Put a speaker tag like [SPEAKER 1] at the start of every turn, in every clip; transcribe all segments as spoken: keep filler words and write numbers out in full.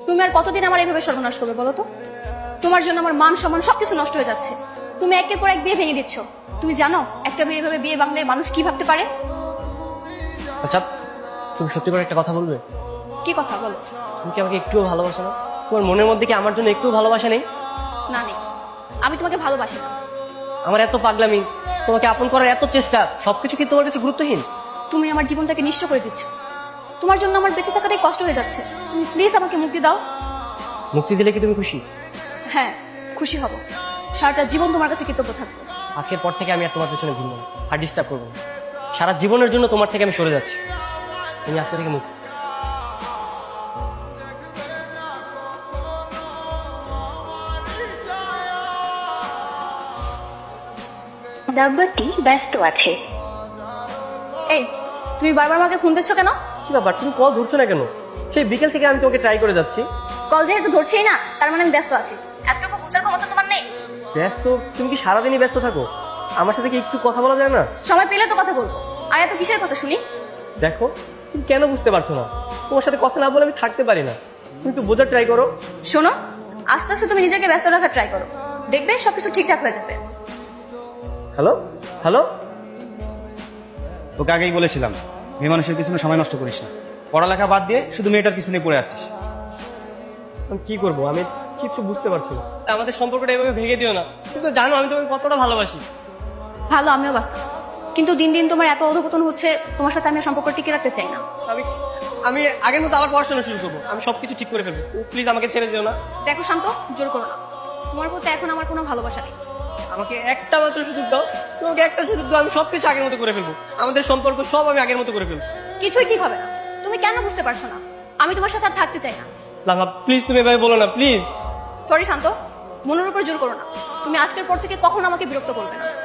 [SPEAKER 1] তুমি আর কতদিন আমার এইভাবে সর্বনাশ করবে বলো তো? তোমার জন্য আমার মান সম্মান সবকিছু নষ্ট হয়ে যাচ্ছে। তুমি একের পর এক বিয়ে ভেঙে দিচ্ছ। তুমি জানো একটা মেয়ে এভাবে বিয়ে ভাঙলে মানুষ কি ভাবতে পারে?
[SPEAKER 2] আচ্ছা, তুমি সত্যি করে একটা কথা বলবে?
[SPEAKER 1] কি কথা বলো?
[SPEAKER 2] তুমি কি আমাকে একটুও ভালোবাসো না? তোমার মনের মধ্যে কি আমার জন্য একটু ভালোবাসা নেই?
[SPEAKER 1] না নেই, আমি তোমাকে ভালোবাসি না।
[SPEAKER 2] আমার এত পাগলামি, তোমাকে আপন করার এত চেষ্টা, সবকিছু কি তোমার কাছে গুরুত্বহীন?
[SPEAKER 1] তুমি আমার জীবনটাকে নিঃস্ব করে দিচ্ছ। তোমার জন্য আমার বেঁচে থাকাটাই কষ্ট হয়ে যাচ্ছে। তুমি প্লিজ আমাকে মুক্তি দাও।
[SPEAKER 2] মুক্তি দিলে কি তুমি খুশি?
[SPEAKER 1] হ্যাঁ, খুশি হব। সারাটা জীবন তোমার কাছে কৃতজ্ঞ থাকবো।
[SPEAKER 2] আজকের পর থেকে আমি আর তোমার পেছনে ঘুরবো না, আর ডিস্টার্ব করবো না। সারা জীবনের জন্য তোমার থেকে আমি সরে যাচ্ছি। তুমি আজকে থেকে মুক্তি।
[SPEAKER 3] নাম্বারটি ব্যস্ত আছে।
[SPEAKER 1] এই, তুমি বারবার আমাকে ফোন দিচ্ছ কেন?
[SPEAKER 2] কি ব্যাপার, তুমি কল ধরছো না কেন? সেই বিকেল থেকে আমি তোমাকে ট্রাই করে যাচ্ছি।
[SPEAKER 1] কল যেহেতু ধরছেই না, তার মানে আমি ব্যস্ত আছি। এতটুকু বোঝার ক্ষমতা তোমার নেই?
[SPEAKER 2] ব্যস্ত? তুমি কি সারাদিনই ব্যস্ত থাকো? আমার সাথে কি একটু কথা বলা যায় না?
[SPEAKER 1] সময় পেলে তো কথা বলবো। আর এত কিসের কথা শুনি?
[SPEAKER 2] দেখো, তুমি কেন বুঝতে পারছো না? তোমার সাথে কথা না বলে আমি থাকতে পারি না। তুমি একটু বোঝার ট্রাই করো।
[SPEAKER 1] শোনো, আস্তে আস্তে তুমি নিজেকে ব্যস্ত রাখার ট্রাই করো, দেখবে সবকিছু ঠিকঠাক হয়ে যাবে।
[SPEAKER 2] হ্যালো হ্যালো
[SPEAKER 4] তোকে আগেই বলেছিলাম মেয়ে মানুষের পিছনে সময় নষ্ট করিস না। পড়ালেখা বাদ দিয়ে শুধু মেয়েটার পিছনে পড়ে আছিস।
[SPEAKER 2] আমি কি করবো? আমি কিছু বুঝতে পারছি না। আমাদের সম্পর্কটা এভাবে ভেঙে দিও না। তুমি তো জানো আমি তোমাকে কতটা ভালোবাসি।
[SPEAKER 1] ভালো, আমিও বাস্তব, কিন্তু দিন দিন তোমার এত অধপতন হচ্ছে, তোমার সাথে আমি আর সম্পর্ক টিকে রাখতে চাই না।
[SPEAKER 2] আমি আমি আগের মতো আবার পড়াশোনা শুরু করবো। আমি সবকিছু ঠিক করে ফেলবো। প্লিজ আমাকে ছেড়ে যেও না।
[SPEAKER 1] দেখো শান্ত, জোর করো না। তোমার প্রতি এখন আমার কোনো ভালোবাসা নেই।
[SPEAKER 2] আমাকে একটা মাত্র সুযোগ দাও। তোমাকে একটা সুযোগ দাও, আমি সবকিছু আগের মতো করে ফেলবো। আমাদের সম্পর্ক সব আমি আগের মতো করে ফেলবো।
[SPEAKER 1] কিছুই ঠিক হবে না। তুমি কেন বুঝতে পারছো না? আমি তোমার সাথে আর থাকতে চাই না।
[SPEAKER 2] লাভা, প্লিজ তুমি এভাবে বলো না, প্লিজ।
[SPEAKER 1] সরি শান্ত, মনের উপর জোর করো না। তুমি আজকের পর থেকে কখনো আমাকে বিরক্ত করবে না।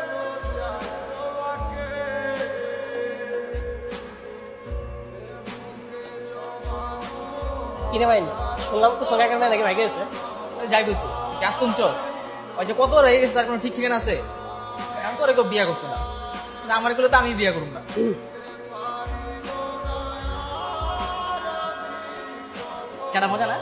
[SPEAKER 2] কিনে পাইনি, শুনলাম তো সোনা কেমন নাকি ভাইকে এসে
[SPEAKER 5] যাই বলতো কাজ কমছস ওই যে কত হয়ে গেছে তার কোনো ঠিক ঠিকানা আছে? আমি তো ওরে কেউ বিয়া করতো না, কিন্তু আমার এগুলো তো আমি বিয়া করবো না। চাটা মজা না?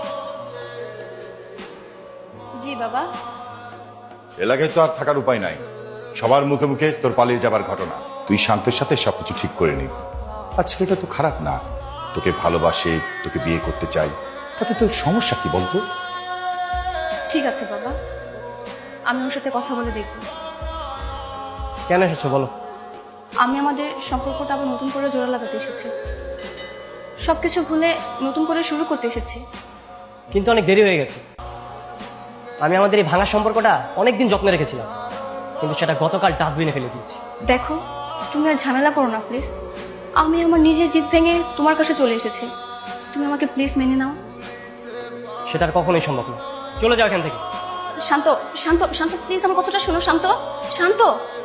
[SPEAKER 1] জি বাবা।
[SPEAKER 6] এলাকায় তো আর থাকার উপায় নাই। সবার মুখে মুখে তোর পালিয়ে যাবার ঘটনা। তুই শান্তের সাথে সবকিছু ঠিক করে নিবি। আর ছেলেটা তো খারাপ না, তোকে ভালোবাসে, তোকে বিয়ে করতে চাই, তাতে তোর সমস্যা কি বলতো?
[SPEAKER 1] ঠিক আছে বাবা, আমি ওর সাথে কথা বলে দেখব।
[SPEAKER 2] কেন এসেছো বলো?
[SPEAKER 1] আমি আমাদের সম্পর্কটা আবার নতুন করে জোড়া লাগাতে এসেছি। সবকিছু ভুলে নতুন করে শুরু করতে এসেছি।
[SPEAKER 2] কিন্তু অনেক দেরি হয়ে গেছে। আমি আমাদের এই ভাঙা সম্পর্কটা অনেকদিন যত্নে রেখেছিলাম, কিন্তু সেটা গতকাল ডাস্টবিনে ফেলে দিয়েছি।
[SPEAKER 1] দেখো, তুমি আর ঝামেলা করো না প্লিজ। আমি আমার নিজের জিদ ভেঙে তোমার কাছে চলে এসেছি। তুমি আমাকে প্লিজ মেনে নাও।
[SPEAKER 2] সেটা আর কখনোই সম্ভব না। চলে যাও এখান থেকে।
[SPEAKER 1] শান্ত, শান্ত, শান্ত, প্লিজ আমার কথাটা শোনো। শান্ত, শান্ত।